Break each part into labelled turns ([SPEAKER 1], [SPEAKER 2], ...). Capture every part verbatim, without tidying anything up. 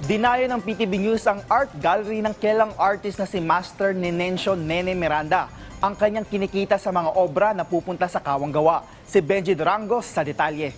[SPEAKER 1] Dinayo ng P T V News ang art gallery ng kilalang artist na si Master Nenencio Nene Miranda. Ang kanyang kinikita sa mga obra na pupunta sa kawang gawa. Si Benji Durango sa detalye.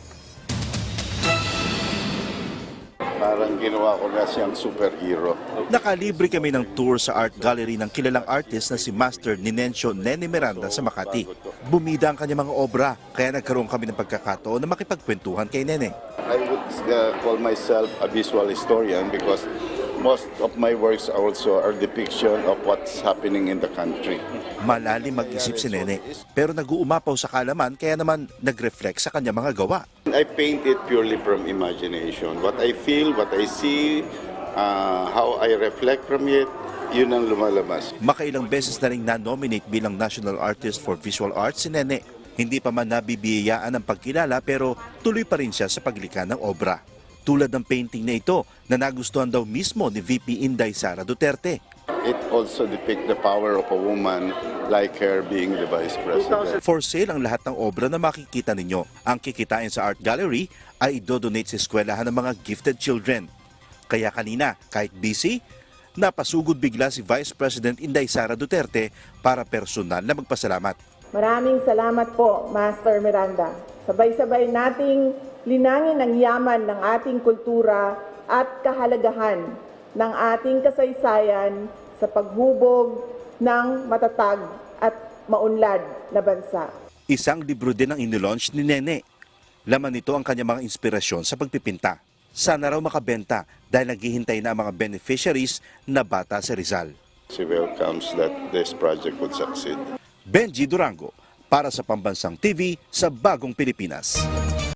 [SPEAKER 2] Parang ginawa ko na siyang superhero.
[SPEAKER 3] Nakalibre kami ng tour sa art gallery ng kilalang artist na si Master Nenencio Nene Miranda sa Makati. Bumida ang kanyang mga obra, kaya nagkaroon kami ng pagkakataon na makipagkwentuhan kay Nene.
[SPEAKER 2] I would uh, call myself a visual historian because most of my works also are depiction of what's happening in the country.
[SPEAKER 3] Malalim mag-isip si Nene, pero nag-uumapaw sa kalaman kaya naman nag-reflect sa kanyang mga gawa.
[SPEAKER 2] I paint it purely from imagination. What I feel, what I see, uh, how I reflect from it, yun ang lumalabas.
[SPEAKER 3] Makailang beses na rin na-nominate bilang National Artist for Visual Arts si Nene. Hindi pa man nabibiyayaan ang pagkilala pero tuloy pa rin siya sa paglikha ng obra. Tulad ng painting na ito na nagustuhan daw mismo ni V P Inday Sara Duterte.
[SPEAKER 2] It also depicts the power of a woman like her being the Vice President.
[SPEAKER 3] For sale ang lahat ng obra na makikita ninyo. Ang kikitain sa art gallery ay idodonate sa eskwelahan ng mga gifted children. Kaya kanina, kahit busy, napasugod bigla si Vice President Inday Sara Duterte para personal na magpasalamat.
[SPEAKER 4] Maraming salamat po, Master Miranda. Sabay-sabay nating linangin ang yaman ng ating kultura at kahalagahan ng ating kasaysayan sa paghubog ng matatag at maunlad na bansa.
[SPEAKER 3] Isang libro din ang inilaunch ni Nene. Laman nito ang kanyang mga inspirasyon sa pagpipinta. Sana raw makabenta dahil naghihintay na ang mga beneficiaries na bata sa Rizal.
[SPEAKER 2] She welcomes that this project would succeed.
[SPEAKER 3] Benji Durango para sa Pambansang T V sa Bagong Pilipinas.